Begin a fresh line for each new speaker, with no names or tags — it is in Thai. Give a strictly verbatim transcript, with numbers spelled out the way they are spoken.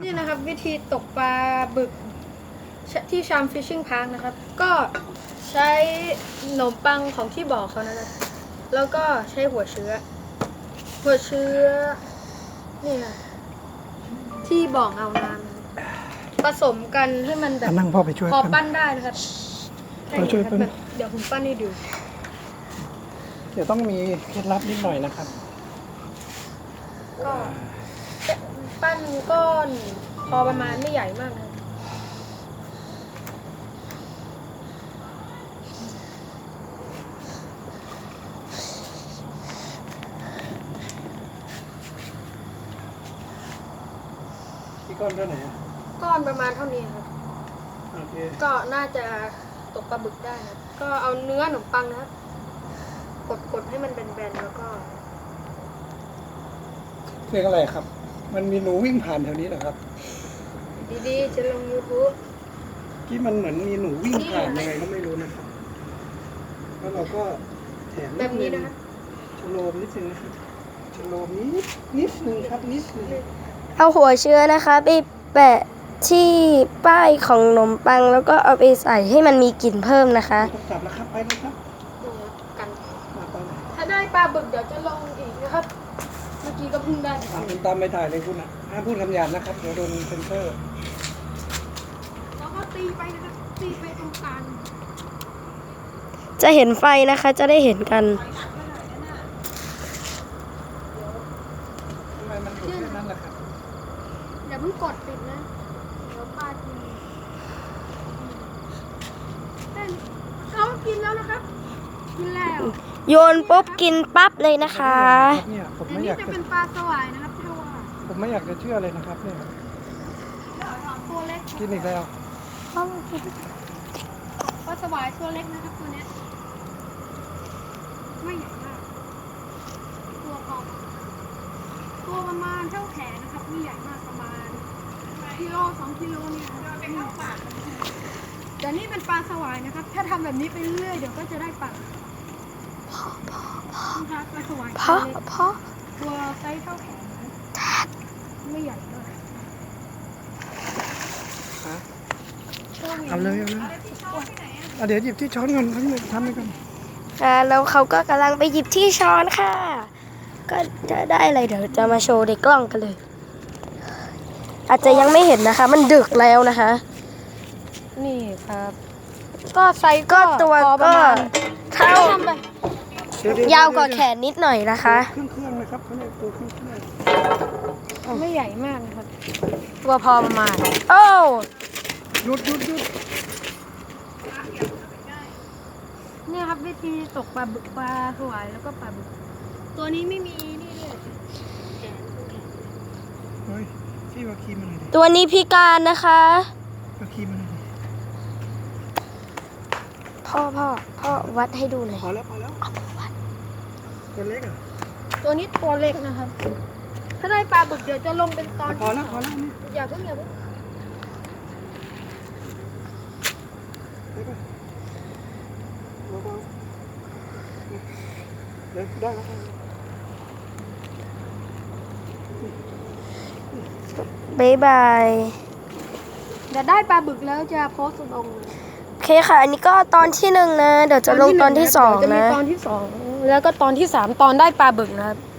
นี่นะครับวิธีตกปลาบึกที่ชามฟิชชิ่งพาร์คนะครับก็ใช้ขนมปังของที่บอกเขานะครับแล้วก็ใช้หัวเชื้อหัวเชื้อนี่ค่ะที่บอกเอาน้ำผสมกันให้มันแบบ
นั่งพ่อไปช่วย
พอ
กัน
ปั้นได้นะครับ
เราช่วยปั้น
เดี๋ยวผมปั้นให้ดู
เดี๋ยวต้องมีเคล็ดลับนิดหน่อยนะครับ
ก็ปั้นก้อนพอประมาณไม่ใหญ่มากนะ
ที่ก้อนเท่าไหร่อะ
ก้อนประมาณเท่านี้ครับ
โอเค
ก็น่าจะตกปลาบึกได้ครับก็เอาเนื้อขนมปังนะครับกดกดให้มันแบนๆแล้วก็
เรียกอะไรครับ มันมีหนูวิ่งผ่านแถวนี้เหรอครับ
ดีๆจะลง YouTube
ที่มันเหมือนมีหนูวิ่งผ่านยังไงก็ไม่รู้นะครับแล้วเราก็แถม
แบบนี้นะครับ
ชโลมนิดนึงนะครับชโลมนิดนิดนึงครับนิดนึง
เอาหัวเชื้อนะคะไปแปะที่ป้ายของขนมปังแล้วก็เอาไปใส่ให้มันมีกลิ่นเพิ่มนะคะ
ต้องจับแล้วครับไปเลยครับ
ดูกัน
มาไปเลย
ถ้าได้ปลาบึกเดี๋ยวจะลงอีกนะครับ เมื่อกี้ก็เพิ่งได้
อ่ะคุณตามไปถ่ายเลยคุณอ่ะห้ามพูดคำหยาบนะครับเดี๋ยวโดนเซ็นเซอร์
แล้วก็ตีไปนะครับตีไปตรงกลาง
จะเห็นไฟนะคะจะได้เห็นกัน
ทำไมมันอยู่แค่นั้นล่ะครับ
อย่าเพิ่งกดปิดนะเดี๋ยวปลากินเต้นเขากินแล้วนะครับกินแล้ว
โยนปุ๊บกินปั๊บเลยนะคะ
เนี่ยผม
อัน
ไม่อ
นี้
ยาก
จะ
จะ
เป็นปลาสวายนะครับที่ว่า
ผมไม่อยากจะเชื่อเลยนะครับเนี่ย
ตัวเล็ก
กินอีกแล้ว
ปลาสวายตัวเล็กนะครับตัวเนี้ยไม่ใหญ่มากตัวพอตัวประมาณเท่าแขนนะครับไม่ใหญ่มากประมาณกิโลสองกิโลเนี่ยเป็นเท่าปากแต่นี่เป็นปลาสวายนะครับ ถ้าทำแบบนี้ไปเรื่อยๆเดี๋ยวก็จะได้ปลานะครับปลาสวาย
เพราะ
ตัวเล็ก
เพราะ
ตัวไซส์เท่าแขนไม่ใหญ่มาก
ฮะเอาเลยเอาเลยอ่ะเดี๋ยวหยิบที่ช้อนก่อนทั้งหมดทำไปก่อน
อ่าแล้วเขาก็กำลังไปหยิบที่ช้อนค่ะ ก็จะได้อะไรเดี๋ยวจะมาโชว์ในกล้องกันเลย อาจจะยังไม่เห็นนะคะ มันดึกแล้วนะคะ
นี่ครับ ก็ไซส์
ก็ตัว
พอประ
ก็
มาณ
เท่า
ทำไป
เดี๋ยวๆ
ยาวกว่าแขนนิดหน่อยนะคะ
เครื่องเครื่องๆนะครับเขาเรียกตัวเครื่องเครื่อง
ไม่ใหญ่มากนะครับ ตัวพอประมาณ
โอ้
หยุดหยุดหยุด
เนี่ยครับวิธีตกปลาบึกปลาสวายแล้วก็ปลาบึก ตัวนี้ไม่มีนี่เลย
เฮ้ยพี่ว่าคีมันหน่อยดิ
ตัวนี้พิการนะคะ
ว่าคีมันหน่อยดิ
พ่อพ่อพ่อวัดให้ดูหน่อย
พอแล้วพอแล้วตัวเล็กอ่ะ
ตัวนี้ตัวเล็กนะครับ ถ้าได้ปลาบึกเดี๋ยวจะลงเป็นตอน
พอแล้วพอแล้วนี่
อย่าเพิ่งอย่าเพิ่ง
เดี๋ยวก่อนเบาๆเดี๋ยวได้แล้วครับ
บ๊ายบาย
เดี๋ยวได้ปลาบึกแล้วจะโพสต์ลง
โอเคค่ะ อันนี้ก็ตอนที่หนึ่งนะ เดี๋ยวจะลงตอนที่สอง
จะมี
นะ
ตอนที่สองแล้วก็ตอนที่สามตอนได้ปลาบึกนะครับ